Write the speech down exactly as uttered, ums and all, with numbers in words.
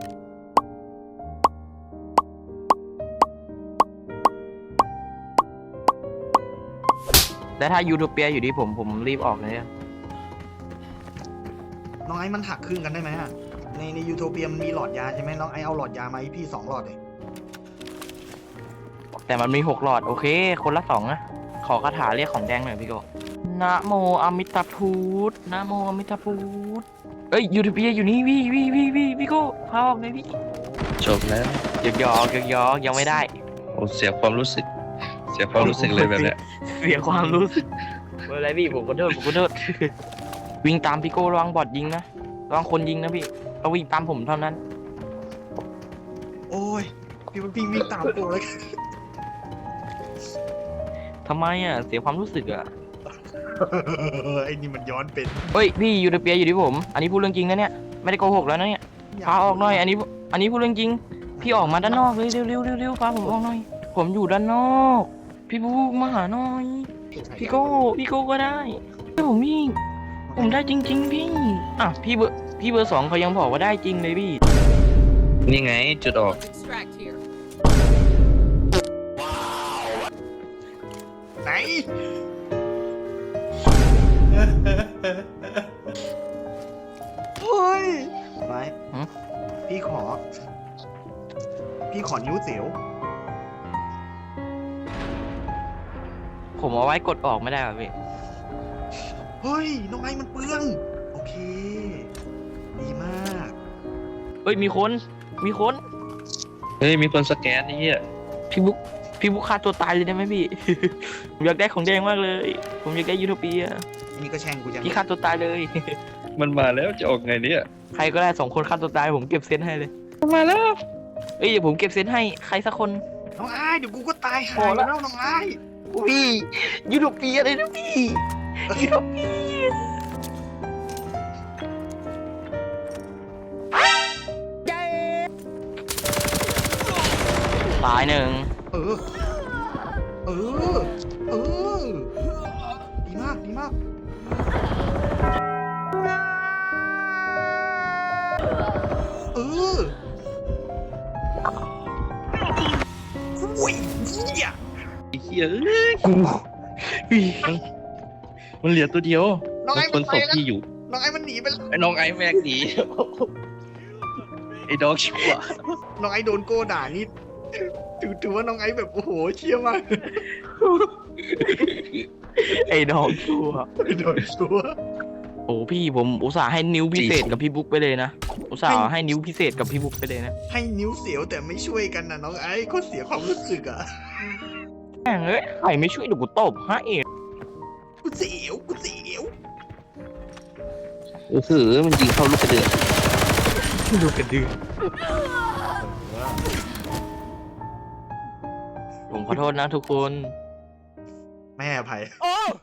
แต่ถ้ายูโทเปียอยู่ที่ผมผมรีบออกเลยอะน้องไอ้มันหักครึ่งกันได้ไหมอะในในยูโทเปียมันมีหลอดยาใช่ไหมน้องไอ้เอาหลอดยามาให้พี่สองหลอดเลยแต่มันมีหกหลอดโอเคคนละสองนะขอคาถาเรียกของแดงหน่อยพี่โกนะโมอมิตาพุทธนะโมอมิตาพุทธเอ้ยยูโทเปียอยู่นี่วิวิวิวิพี่โกพาออกเลยพี่จบแล้วหยอกหยอกหยอกหยอกยังไม่ได้โอ้เสียความรู้สึก เสียความรู้สึกเลยแบบเนี้ยเสียความรู้สึกไม่เป็นไรพี่ผมขอโทษผมขอโทษ วิ่งตามพี่โก้ระวังบอดยิงนะระวังคนยิงนะพี่เอาวิ่งตามผมเท่านั้นโอ้ยพี่พี่วิ่งตามโปเลยทำไมอ่ะเสียความรู้สึกอ่ะไอ้นี่มันย้อนเป็นเฮ้ยพี่ยูโทเปียอยู่ที่ผม อันนี้พูดเรื่องจริงนะเนี่ยไม่ได้โกหกแล้วนะเนี่ยพาออกหน่อยอันนี้อันนี้พูดเรื่องจริงพี่ออกมาด้านนอกเลยเร็วเร็วเร็วเร็วพาผมออกหน่อยผมอยู่ด้านนอก พี่บูมาหาหน่อยพี่โก้พี่โก้ก็ได้ผมวิ่งผมได้จริง ๆ พี่อ่ะพี่เบอร์พี่เบอร์สองเขายังบอกว่าได้จริงเลยพี่นี่ไงจุดออก Extract here. ไหน เฮ้ยไปพี่ขอ พี่ขอนิ้วเสียวผมเอาไว้กดออกไม่ได้ป่ะพี่เฮ้ย น้องไอ้มันเปลือง โอเค ดีมากเฮ้ยมีคนมีคนเฮ้ยมีคนสแกนนี่เหี้ยพี่บุ๊กพี่บุ๊กฆ่าตัวตายเลยได้ไหมพี่ ผมอยากได้ของแดงมากเลย ผมอยากได้ยูโทเปียอันนี้ก็แช่งกูจังพี่ฆ่าตัวตายเลยมันมาแล้วจะออกไงเนี่ยใครก็ได้สองคนฆ่าตัวตายผมเก็บเซนให้เลยมาแล้วเอ้ยเดี๋ยวผมเก็บเซนให้ใครสักคนน้องไอ้เดี๋ยวกูก็ตายหาพอย ละแล้วน้องไอ้พี่ยูโทเปียเลยนะพี่ยูโทเปียตายหนึ่งเออ เออ เออ ดีมาก ดีมาก เอออุ้ยเหี้ยไอ้เหี้ยเอ้ยกูมันเหลือตัวเดียวน้องมัไอ้นคมัน นศไปพแล้วที่อยู่น้องไอ้มันหนีไปแล้วไอ้น้องไอ้แม่งหนีไอ้ดอกชั่วน้องไอ้โดนโก้ด่านี่ถือถือว่าน้องไอ้แบบโอ้โหเชี่ยมากไอ้ดอกชัวโดนชัวโอ้พี่ผมอุตส่าห์ให้นิ้วพิเศษกับพี่บุ๊กไปเลยนะอุตส่าห์ให้นิ้วพิเศษกับพี่บุ๊กไปเลยนะให้นิ้วเสียวแต่ไม่ช่วยกันนะน้องไอ้ก็เสียความรู้สึกอ่ะแม่งเอ้ยใครไม่ช่วยเดี๋ยวกูตบให้กูเสียวกูเสียวโอ้โหมันยิงเข้าลูกกระเดือกดูกระดือผมขอโทษนะทุกคนแม่อภัยโอ้